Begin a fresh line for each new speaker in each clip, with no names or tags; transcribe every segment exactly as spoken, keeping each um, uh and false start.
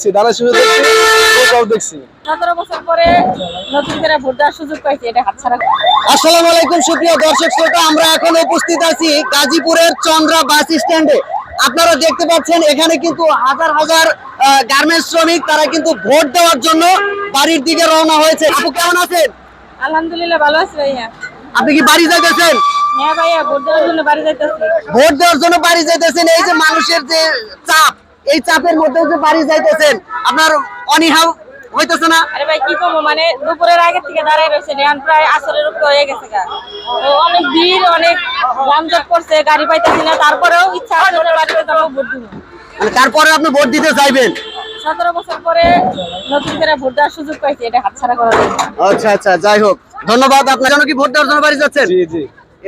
আসসালামু আলাইকুম সুপ্রিয় দর্শক শ্রোতা, আমরা এখন উপস্থিত আছি গাজীপুরের চন্দ্রা বাস স্ট্যান্ডে। আপনারা দেখতে পাচ্ছেন এখানে কিন্তু হাজার হাজার গার্মেন্টস শ্রমিক, তারা কিন্তু ভোট দেওয়ার জন্য বাড়ির দিকে রওনা হয়েছে। আপু কেমন আছেন?
আলহামদুলিল্লাহ ভালো আছি ভাইয়া।
আপনি কি বাড়ি যাইতেছেন?
হ্যাঁ ভাইয়া, ভোট দেওয়ার জন্য বাড়ি যাইতেছি।
ভোট দেওয়ার জন্য বাড়ি যাইতেছেন। এই যে মানুষের যে চাপ, এই চাপের মধ্যে যে বাড়ি যাইতেছেন, আপনার অনীহা হইতেছে না?
আরে ভাই কি করবো, মানে দুপুরের আগে থেকে দাঁড়ায় রয়েছে, এখন প্রায় আসরের উপর হয়ে গেছে। তো অনেক ভিড়, অনেক যানজট করছে, গাড়ি পাইতেছি না। তারপরেও ইচ্ছা আছে বাড়িতে যাবো, ভোট দিব।
মানে তারপরে আপনি ভোট দিতে চাইবেন?
সতেরো বছর পরে নতুন করে ভোট দেওয়ার সুযোগ পাইছি, এটা হাতছাড়া করা যায় না।
আচ্ছা আচ্ছা, যাই হোক, ধন্যবাদ। আপনার জন্য কি ভোট দেওয়ার জন্য বাড়ি যাচ্ছেন?
জি জি।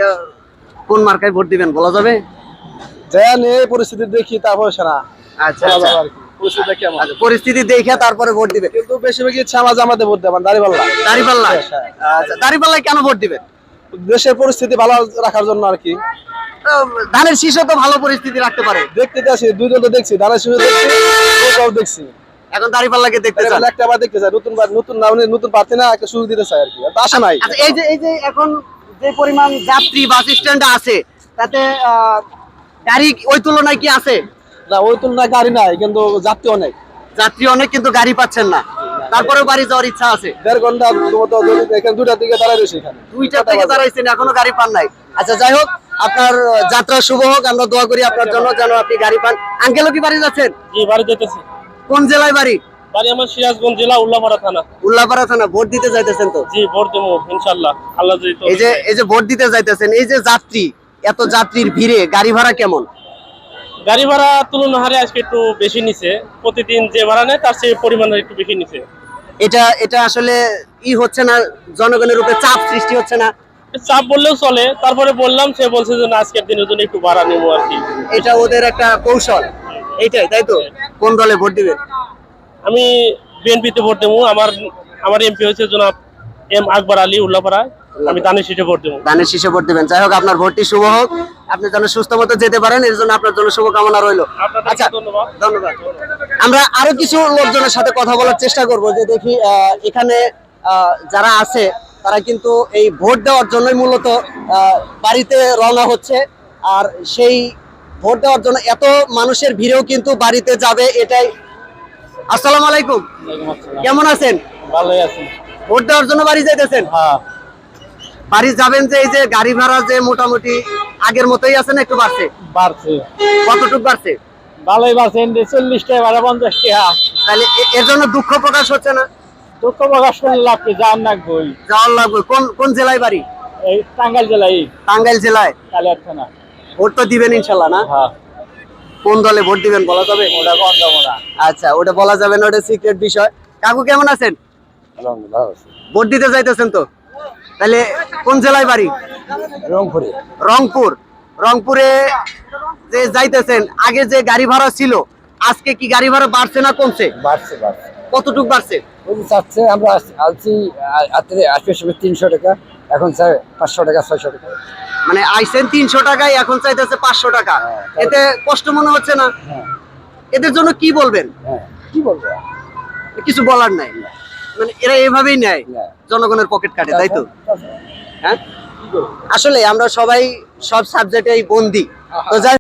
কোন মার্কায় ভোট দিবেন বলা যাবে?
দেন এই পরিস্থিতি দেখি তারপর সারা।
আচ্ছা আচ্ছা,
পরিস্থিতি কেমন
পরিস্থিতি দেখে তারপরে ভোট দিবেন।
কিন্তু বেশিরভাগ ইচ্ছা আমার জামাতে ভোট দেবেন, দাঁড়িপাল্লা।
দাঁড়িপাল্লা? আচ্ছা, দাঁড়িপাল্লায় কেন ভোট দিবেন?
দেশের পরিস্থিতি ভালো রাখার জন্য আর কি।
ধানের শীষও তো ভালো পরিস্থিতি রাখতে পারে।
দেখতে আসি, দুই দল তো দেখছি, ধানের শীষ দেখছি, ওটাও দেখছি।
এখন দাঁড়িপাল্লাকে দেখতে চান?
একটা বার দেখতে চাই, নতুন নতুন না নতুন প্রার্থী না, একটা সুযোগ দিতে চাই আর কি। আশা নাই।
আচ্ছা, এই যে এই যে এখন যে পরিমাণ যাত্রী বাস স্ট্যান্ডে আছে, তাতে গাড়ি ওই তুলনায় কি আছে?
না, ওই তুলনায় গাড়ি নাই, কিন্তু যাত্রী অনেক।
যাত্রী অনেক, কিন্তু গাড়ি পাচ্ছেন না। তারপরেও বাড়ি যাওয়ার ইচ্ছা আছে।
দেড় ঘন্টা মতো এখানে দুইটার দিকে দাঁড়াই রয়েছে, এখানে
দুইটা থেকে দাঁড়াইছেন, এখনো গাড়ি পান নাই। আচ্ছা, যাই হোক, আপনার যাত্রা শুভ হোক। আমরা দোয়া করি আপনার জন্য, যেন আপনি গাড়ি পান। আঙ্কেলও কি বাড়ি যাচ্ছেন?
জি, বাড়ি যেতেছি।
কোন জেলায় বাড়ি?
বাড়ি আমার সিরাজগঞ্জ জেলা, উল্লাপাড়া থানা।
উল্লাপাড়া থানা। ভোট দিতে যাইতেছেন তো?
জি, ভোট দেবো ইনশাআল্লাহ, আল্লাহ যদি তৌফিক
এই যে
দেয়।
এই যে ভোট দিতে যাইতেছেন, এই যে যাত্রী, এত যাত্রীর ভিড়ে গাড়ি ভাড়া কেমন?
গাড়ি ভাড়া তুলনা হারে আজকে একটু বেশি নিছে। প্রতিদিন যে ভাড়া নেয় তার চেয়ে পরিমাণে একটু বেশি নিছে।
এটা এটা আসলে ই হচ্ছে না, জনগণের উপরে চাপ সৃষ্টি হচ্ছে না?
চাপ বললেও চলে। তারপরে বললাম, সে বলছে যে না, আজকের দিনের জন্য একটু ভাড়া নেবো আর কি।
এটা ওদের একটা কৌশল, এইটাই, তাই তো? কোন দলে ভোট দিবেন?
আমি বিএনপিতে ভোট দেবো। আমার আমার এমপি হচ্ছে জনাব এম আকবর আলী, উল্লাপাড়া। আমি ধানের শীষে ভোট দেবো।
ধানের শীষে ভোট দিবেন। যাই হোক, আপনার ভোটটি শুভ হোক। আপনি যেন সুস্থ মতো যেতে পারেন, এর জন্য আপনার জন্য শুভকামনা রইল। আচ্ছা,
ধন্যবাদ।
ধন্যবাদ। আমরা আরো কিছু লোকজনের সাথে কথা বলার চেষ্টা করব, যে দেখি আহ, এখানে আহ, যারা আছে তারা কিন্তু এই ভোট দেওয়ার জন্যই মূলত আহ, বাড়িতে রওনা হচ্ছে। আর সেই ভোট দেওয়ার জন্য এত মানুষের ভিড়েও কিন্তু বাড়িতে যাবে, এটাই। আসসালামু আলাইকুম, কেমন আছেন?
ভালোই আছি।
ভোট দেওয়ার জন্য বাড়ি যাইতেছেন?
হ্যাঁ।
বাড়ি যাবেন যে, এই যে গাড়ি ভাড়া যে মোটামুটি আগের মতোই আছে না একটু বাড়ছে?
বাড়ছে।
কতটুকু বাড়ছে?
ভালোই বাড়ছে, চল্লিশ টাকা ভাড়া, পঞ্চাশ টাকা।
তাহলে এ- এর জন্য দুঃখ প্রকাশ হচ্ছে না?
দুঃখ প্রকাশ করলে লাভ কি, যাওয়ার নাকবই।
যাওয়ার লাগবে। কোন কোন জেলায় বাড়ি?
এই টাঙ্গাইল জেলায়,
টাঙ্গাইল জেলায়।
কালিয়ার থানা।
ভোট তো দিবেন ইনশাল্লাহ না?
হ্যাঁ।
কোন দলে ভোট দিবেন বলা যাবে?
ওটা কোন যাবো না।
আচ্ছা, ওটা বলা যাবে না, ওটা সিক্রেট বিষয়। কাকু কেমন আছেন? ভোট দিতে যাইতেছেন তো? তাহলে কোন জেলায় বাড়ি?
রংপুরে।
রংপুর। রংপুরে যে যাইতেছেন, আগে যে গাড়ি ভাড়া ছিল, আজকে কি গাড়ি ভাড়া বাড়ছে না কমছে?
বাড়ছে বাড়ছে
কতটুকু বাড়ছে?
ওই যে চাচ্ছে, আমরা আলছি আসবে সময় তিনশো টাকা, এখন চাই পাঁচশো টাকা, ছয়শো টাকা।
মানে আইসেন তিনশো টাকায়, এখন চাইতেছে পাঁচশো টাকা। এতে কষ্ট মনে হচ্ছে না?
হ্যাঁ
এদের জন্য কি বলবেন?
হ্যাঁ, কি বলবো?
কিছু বলার নাই, মানে এরা এভাবেই নেয়,
হ্যাঁ।
জনগণের পকেট কাটে, তাই তো? হ্যাঁ, আসলে আমরা সবাই সব সাবজেক্টেই বন্দি। তো যাই